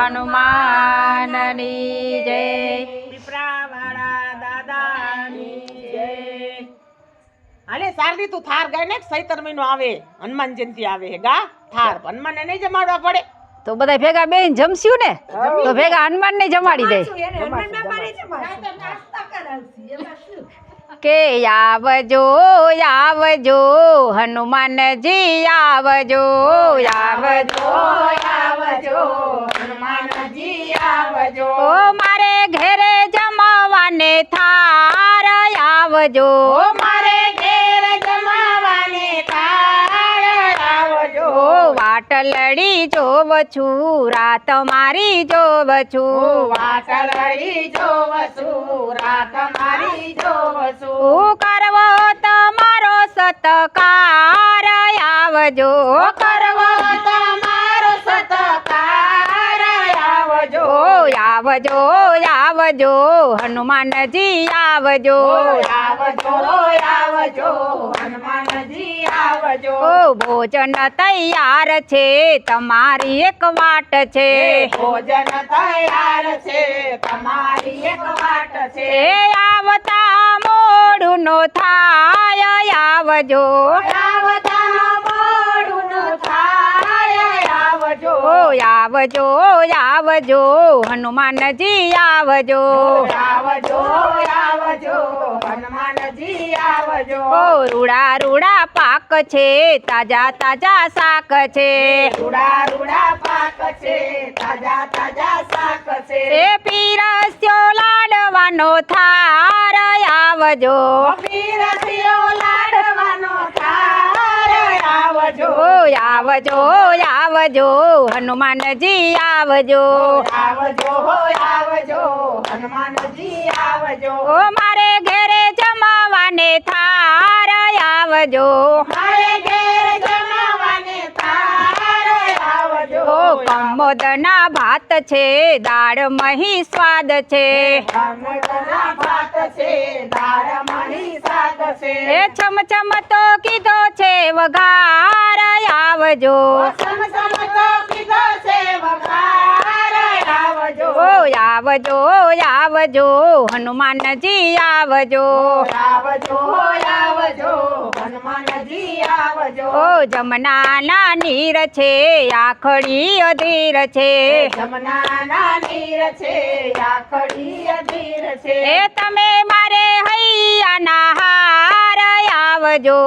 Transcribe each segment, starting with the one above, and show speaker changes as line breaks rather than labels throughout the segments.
હનુમાનની જય
પીપળાવાળા દાદાની જય હાલે શારદી તું થાર ગાય ને ચૈત્ર મહિનો આવે હનુમાન જયંતિ આવે ગા થાર હનુમાનને નહીં જમાડવા પડે
તો બધા ભેગા બેન જમસ્યું ને તો ભેગા હનુમાન ને જમાડી દે કે આવજો આવજો હનુમાનજી આવજો આવજો આવજો
હનુમાનજી આવજો
ઓ મારે ઘેરે જમવાને થાર આવજો
મારે ઘેર જમાવાને થાળ આવજો
વાટલડી જોવ છું રાત મારી જોવ છું
વાટલડી જોવ છું રાત મારી જોવ છું
હું કરવો તમારો સત્કાર આવજો
કરવો તમારો સત્કાર આવજો
આવજો આવજો હનુમાનજી આવજો
આવજો આવજો હનુમાનજી આવજો
ઓ ભોજન તૈયાર છે તમારી એક વાટ છે
ભોજન તૈયાર છે તમારી એક વાટ છે
એ આવતા મોડું નો થાય આવજો
આવતા મોડું ન થાય આવજો
આવજો આવજો હનુમાનજી આવજો
આવજો આવજો હનુમાનજી આવજો
ઓ રૂડા રૂડા પાક છે તાજા તાજા શાક છે
રૂડા રૂડા પાક છે તાજા તાજા શાક છે
એ પીરસ્યો લાડવાનો થાર આવજો
પીરસ્યો લાડવાનો થાળ આવજો
આવજો આવજો હનુમાનજી આવજો
આવજો આવજો હનુમાનજી આવજો
ઓ મારે ઘેરે જમાવાને થાર આવજો
મારે ઘેર જમાવાને થાળ આવજો
કમોદના ભાત છે દાળ મહી સ્વાદ છે
અમૃતના ભાત છે દાળ મહી શાક છે
એ છમછમ તો કીધો છે વઘાર આવજો
સમસમતો કીધો છે વઘાર આવજો
આવજો આવજો હનુમાનજી આવજો
આવજો આવજો હનુમાનજી આવજો
ઓ જમનાના નીર છે આખડી અધીર છે
જમનાના નીર છે આખડી અધીર છે
એ તમે મારે હૈયાના હાર આવજો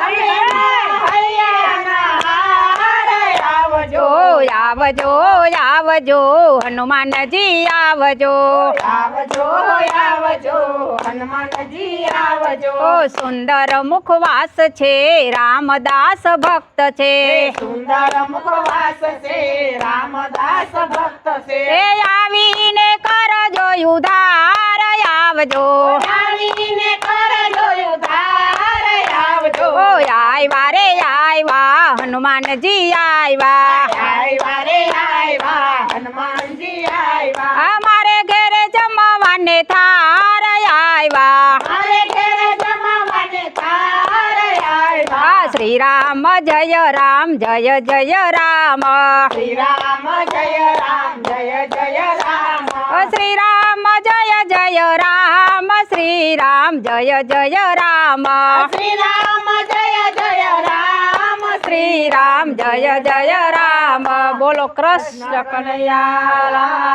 આવજો
આવજો આવજો હનુમાનજી આવજો
આવજો આવજો હનુમાનજી આવજો
ઓ સુંદર મુખવાસ છે રામદાસ ભક્ત છે
સુંદર મુખવાસ છે રામદાસ ભક્ત છે
એ આવીને કરજો ઉધાર આવજો
આવીને કરજો ઉધાર આવજો
આવ્યા રે આવ્યા હનુમાનજી આવ્યા
આવ્યા રે આવ્યા હનુમાનજી આવ્યા
અમારે ઘેરે જમવાને થાર આવ્યા
મારે ઘેર જમાવાને થાળ આવ્યા
શ્રી રામ જય રામ જય જય રામ
શ્રી રામ જય રામ જય જય રામ
શ્રી રામ જય જય રામ શ્રી રામ જય જય રામ
શ્રી રામ જય જય રામ
શ્રી રામ જય જય રામ બોલો કૃષ્ણ કનૈયા